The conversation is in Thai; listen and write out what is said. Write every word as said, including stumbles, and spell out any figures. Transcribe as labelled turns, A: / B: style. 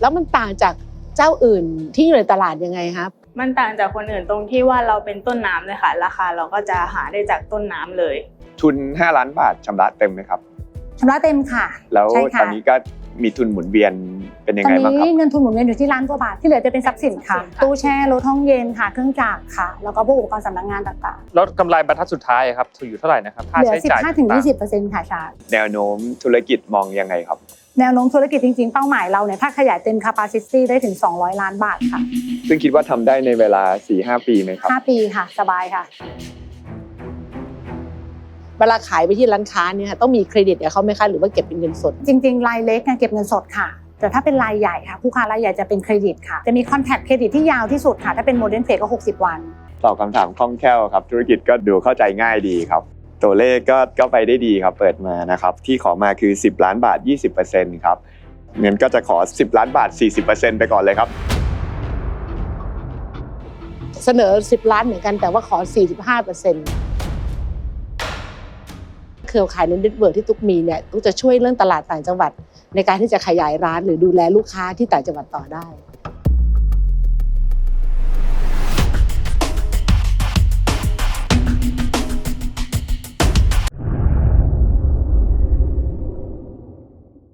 A: แล้วมันต่างจากเจ้าอื่นที่อยู่ในตลาดยังไงครับ
B: มันต่างจากคนอื่นตรงที่ว่าเราเป็นต้นน้ำเลยค่ะราคาเราก็จะหาได้จากต้นน้ำเลย
C: ทุนห้าล้านบาทชำระเต็มไหมครับ
D: ชำระเต็มค่ะ
C: แล้วตอนนี้ก็มีทุนหมุนเวียนเป็นยังไงบ้างครับ
D: ตอนนี้เงินทุนหมุนเวียนอยู่ที่ล้านกว่าบาทที่เหลือจะเป็นทรัพย์สินค่ะตู้แช่รถห้องเย็นค่ะเครื่องจักรค่ะแล้วก็พวกอุปกรณ์สำนักงานต่าง
E: ๆแล้วกำไรบรรทัดสุดท้ายครับถืออยู่เท่าไหร่นะครับค่า
D: ใช้จ่ายเหลือ สิบห้าถึงยี่สิบเปอร์เซ็นต์ ค่ะชาร์
C: แนวโน้มธุรกิจมองยังไงครับ
D: แนวโน้มธุรกิจจริงๆเป้าหมายเราเนี่ยถ้าขยายเต็ม capacity ได้ถึงสองร้อยล้านบาทค่ะ
C: ซึ่งคิดว่าทำได้ในเวลา สี่ถึงห้า ปีไหมครับ
D: ห้าปีค่ะสบายค่ะ
A: เวลาขายไปที่ร้านค้าเนี่ยต้องมีเครดิตกับเขาไหมคะหรือว่าเก็บเป็นเงินสด
D: จริงๆรายเล็กเก็บเงินสดค่ะแต่ถ้าเป็นรายใหญ่ค่ะผู้ค้ารายใหญ่จะเป็นเครดิตค่ะจะมีคอนแทคเครดิตที่ยาวที่สุดค่ะถ้าเป็นโมเดิร์นเทรดก็หกสิบวัน
C: ตอบคำถามคล่องแคล่วครับธุรกิจก็ดูเข้าใจง่ายดีครับตัวเลขก็ก็ไปได้ดีครับเปิดมานะครับที่ขอมาคือสิบล้านบาท ยี่สิบเปอร์เซ็นต์ ครับเงินก็จะขอสิบล้านบาท สี่สิบเปอร์เซ็นต์ ไปก่อนเลยครับ
A: เสนอสิบล้านเหมือนกันแต่ว่าขอ สี่สิบห้าเปอร์เซ็นต์ เครือข่ายในเน็ตเวิร์คที่ตุ๊กมีเนี่ยตุ๊กจะช่วยเรื่องตลาดต่างจังหวัดในการที่จะขยายร้านหรือดูแลลูกค้าที่ต่างจังหวัดต่อได้